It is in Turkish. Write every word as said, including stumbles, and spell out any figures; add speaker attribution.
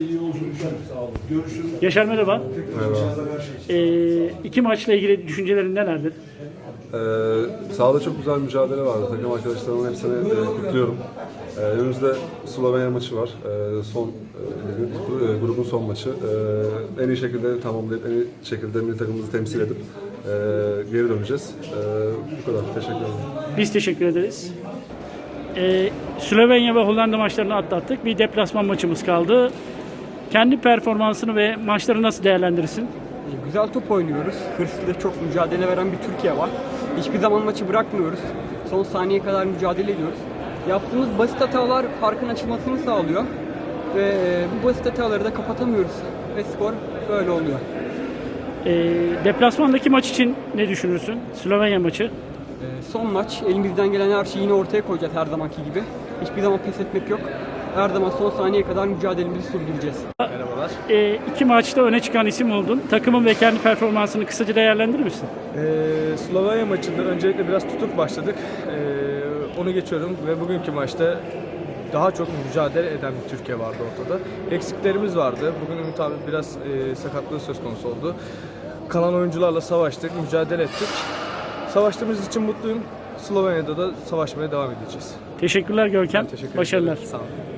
Speaker 1: İyi yolculuklar. Sağ olun. Görüşürüz.
Speaker 2: Yaşar merhaba.
Speaker 3: Merhaba.
Speaker 2: Ee, iki maçla ilgili düşüncelerin nelerdir?
Speaker 3: Ee, sahada çok güzel mücadele vardı. Takım arkadaşlarımın hepsini e, kutluyorum. Ee, önümüzde Slovenya maçı var. Ee, son e, grubun son maçı. Ee, en iyi şekilde tamamlayıp en iyi şekilde milli takımımızı temsil edip e, geri döneceğiz. Ee, bu kadar. Teşekkür ederim.
Speaker 2: Biz teşekkür ederiz. Ee, Slovenya ve Hollanda maçlarını atlattık. Bir deplasman maçımız kaldı. Kendi performansını ve maçları nasıl değerlendirirsin?
Speaker 4: Güzel top oynuyoruz. Hırslı, çok mücadele veren bir Türkiye var. Hiçbir zaman maçı bırakmıyoruz. Son saniyeye kadar mücadele ediyoruz. Yaptığımız basit hatalar farkın açılmasını sağlıyor. Ve bu basit hataları da kapatamıyoruz. Ve skor böyle oluyor.
Speaker 2: Ee, deplasmandaki maç için ne düşünürsün? Slovenya maçı.
Speaker 4: Ee, son maç, elimizden gelen her şeyi yine ortaya koyacağız her zamanki gibi. Hiçbir zaman pes etmek yok. Her zaman son saniyeye kadar mücadelemizi sürdüreceğiz.
Speaker 5: Merhabalar.
Speaker 2: Ee, iki maçta öne çıkan isim oldun. Takımın ve kendi performansını kısaca değerlendirir misin?
Speaker 5: Ee, Slovenya maçında öncelikle biraz tutuk başladık. Ee, onu geçiyorum ve bugünkü maçta daha çok mücadele eden bir Türkiye vardı ortada. Eksiklerimiz vardı. Bugün Ümit abi biraz e, sakatlığı söz konusu oldu. Kalan oyuncularla savaştık, mücadele ettik. Savaştığımız için mutluyum. Slovenya'da da savaşmaya devam edeceğiz.
Speaker 2: Teşekkürler Görkem.
Speaker 5: Ben teşekkür
Speaker 2: Başarılar.
Speaker 5: ederim. Sağ olun.